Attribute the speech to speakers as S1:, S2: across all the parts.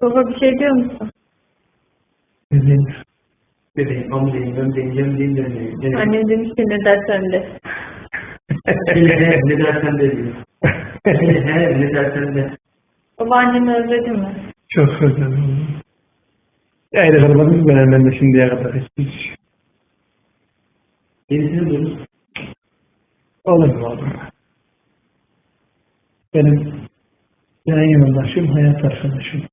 S1: Baba bir şey diyor musun?
S2: Bebeğim. Bebeğim, amcayım, gömleğim, gömleğim, gömleğim.
S1: Annem demiş ki ne dersen de.
S2: Ne dersen de diyor. Ne dersen de.
S1: Baba annemi özledi mi?
S3: Çok özledim. Ayrı kalmadım ben de şimdiye kadar hiç.
S2: Yenisini bulmuş.
S3: Olur mu oğlum? Benim yan yoldaşım, hayat arkadaşım.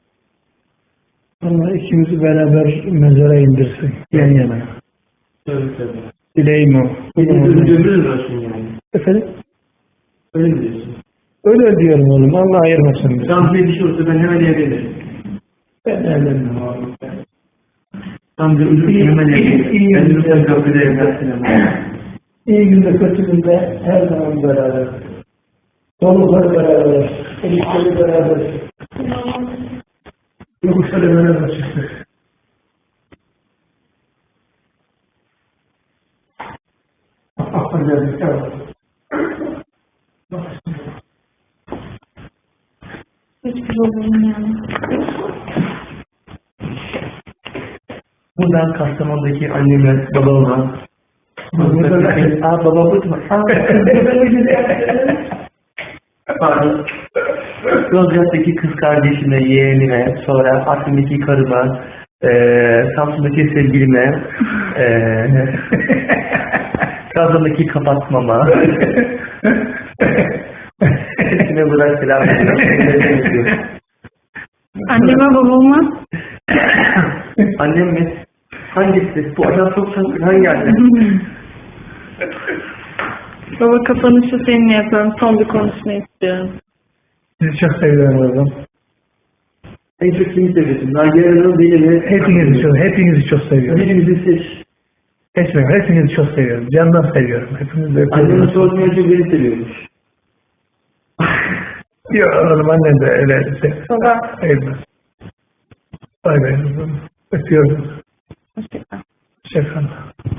S3: Allah ikimizi beraber mezara indirsin, yan yana.
S2: Tabii.
S3: Dileğim o.
S2: Ömrünüz olsun yani.
S3: Efendim?
S2: Öyle mi diyorsun?
S3: Öyle diyorum oğlum, Allah ayırmasın bizi.
S2: Tam bir şey olsa ben hemen evlenirim.
S3: Ben evlenmem oğlum.
S2: Tam bir ölürüm hemen evlenirim. Ben lütfen kapıda evlensin.
S3: İyi günde, kötü günde her zaman beraber. Dolukları beraber, ilişkileri beraber. Yokuşları beraber çıktık. Affedersin, evet.
S1: Hiçbir babamın yani.
S2: Buradan Kastamonu'daki anneme, babama, baba bu mu? Pardon. Yozgat'taki kız kardeşime, yeğenime, sonra Afrin'deki karıma, Samsun'daki sevgilime, Trabzon'daki kapatmama, hepsine buradan selam veriyorum.
S1: Anneme babama.
S2: Annem mi? Hangisi? Bu adam çok sanırım. Hangi annem?
S1: Baba kapanışı seninle yapıyorum. Son bir konuşma istiyorum.
S3: Sizi çok seviyorum oğlum.
S2: En çok kimi seviyorsun? Nagihan'ın beni mi?
S3: Hepinizi çok seviyorum.
S2: Hepimizi seç.
S3: Hepinizi çok seviyorum. Candan seviyorum. Hepinizi de
S2: Annemin sorduğunu önce beni seviyormuş.
S3: Yok oğlum, annem de öyle.
S1: Baba.
S3: Sevmez. Bay bay. Öpüyorum.
S1: Hoşçakal.
S3: Hoşçakal.